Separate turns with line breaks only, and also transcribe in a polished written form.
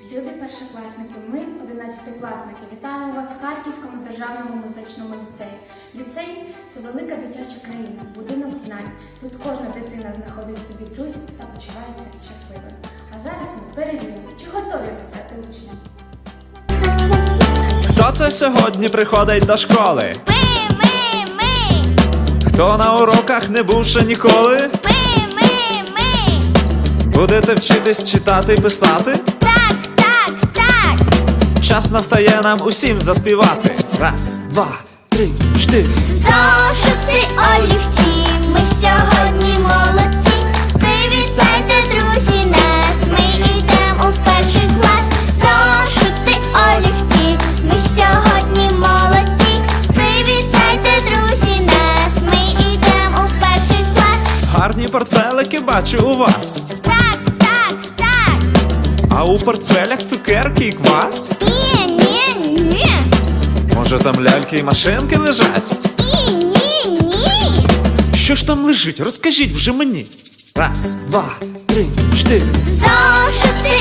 Любі першокласники, ми, 11-класники, вітаємо вас в Харківському державному музичному ліцеї. Ліцей – це велика дитяча країна, будинок знань. Тут кожна дитина знаходить собі друзів та почувається щасливою. А зараз ми перевіримо, чи готові ви стати учнем.
Хто це сьогодні приходить до школи?
Ми.
Хто на уроках не був ще ніколи?
Ми.
Будете вчитись читати і писати?
Так.
Час настає нам усім заспівати. Раз, два, три, чотири.
Зошити, олівці, ми сьогодні молодці. Привітайте, друзі, нас, ми йдемо у перший клас. Зошити, олівці, ми сьогодні молодці. Привітайте, друзі, нас, ми йдемо у перший клас.
Гарні портфелики бачу у вас.
Так.
А у портфелях цукерки і квас?
Ні.
Може там ляльки і машинки лежать?
Ні.
Що ж там лежить? Розкажіть вже мені. Раз, два, три, чотири.
Зошити,